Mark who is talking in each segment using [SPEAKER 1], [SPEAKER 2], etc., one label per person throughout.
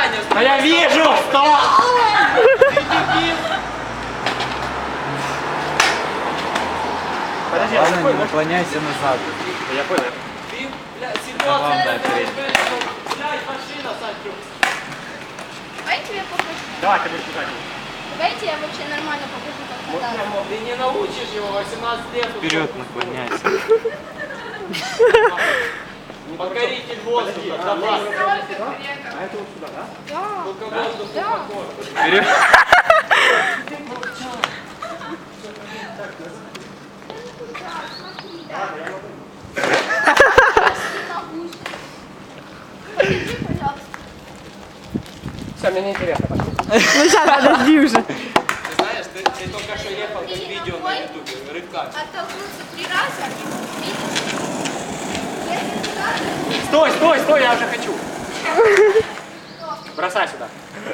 [SPEAKER 1] Саня,
[SPEAKER 2] А я вижу! Вставай! Подожди,
[SPEAKER 3] Ладно, не наклоняйся назад.
[SPEAKER 2] Я понял.
[SPEAKER 1] Ты, бля,
[SPEAKER 3] Ладно,
[SPEAKER 1] ситуация,
[SPEAKER 3] вперед.
[SPEAKER 1] блядь, машина, Санчо.
[SPEAKER 4] Давайте я покажу.
[SPEAKER 2] Давай, ты будешь писать.
[SPEAKER 4] Давайте я вообще нормально покажу, как кататься.
[SPEAKER 1] Ты не научишь его 18 лет.
[SPEAKER 3] Вперед наклоняйся.
[SPEAKER 1] Покоритель воздуха, давай.
[SPEAKER 2] А это вот сюда, да?
[SPEAKER 4] Да.
[SPEAKER 1] Только воздух
[SPEAKER 4] Да.
[SPEAKER 1] покор.
[SPEAKER 3] Вперед.
[SPEAKER 4] Покажи, пожалуйста.
[SPEAKER 2] Все, мне не интересно.
[SPEAKER 5] Ну сейчас, подожди уже.
[SPEAKER 1] Ты знаешь, ты только что ехал как видео на ютубе, рыбка.
[SPEAKER 4] Оттолкнуться 3 раза. Видишь? Если туда,
[SPEAKER 2] Стой, стой, стой, я уже хочу. Бросай сюда.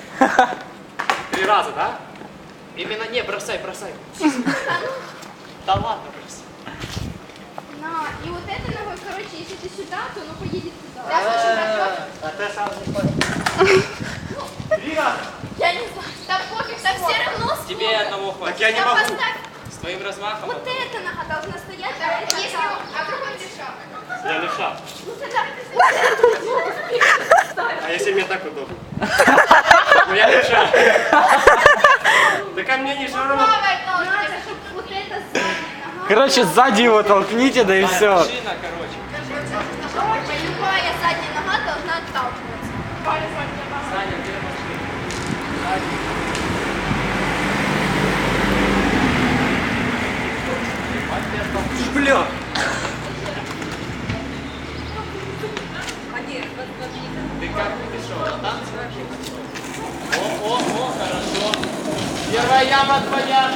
[SPEAKER 2] 3 раза, да?
[SPEAKER 1] Именно не, бросай, бросай. Да ладно, бросай.
[SPEAKER 4] на. И вот этой ногой, короче, если ты сюда, то оно поедет туда. Я хочу напротив.
[SPEAKER 2] А ты сразу не понял. 3 раза.
[SPEAKER 4] Я не знаю. Да пофиг, так все равно
[SPEAKER 1] Тебе
[SPEAKER 4] сколько.
[SPEAKER 1] одного хватит.
[SPEAKER 2] Так я не
[SPEAKER 4] Да
[SPEAKER 2] могу.
[SPEAKER 4] поставь.
[SPEAKER 1] С твоим размахом.
[SPEAKER 4] Вот эта нога должна стоять, а эта
[SPEAKER 6] Если
[SPEAKER 4] там.
[SPEAKER 6] а вдруг он левша?
[SPEAKER 2] Я левша.
[SPEAKER 4] Ну тогда вот эту ногу вперед ставь.
[SPEAKER 2] А если мне так удобно? Ну я левша. Да ко мне не все равно.
[SPEAKER 6] Правой ножкой.
[SPEAKER 4] Надо, чтобы вот эта задняя нога.
[SPEAKER 3] Короче, сзади его толкните, да и все.
[SPEAKER 1] Машина, короче.
[SPEAKER 4] Короче, любая задняя нога должна отталкиваться.
[SPEAKER 1] Саня, где машина?
[SPEAKER 2] Бля.
[SPEAKER 1] Ты как пришел? На танцы? О, хорошо. Первая яма твоя.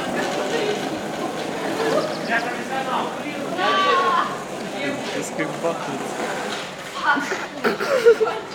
[SPEAKER 2] Я профессионал.
[SPEAKER 1] Я вижу.
[SPEAKER 3] Сейчас как бахнется.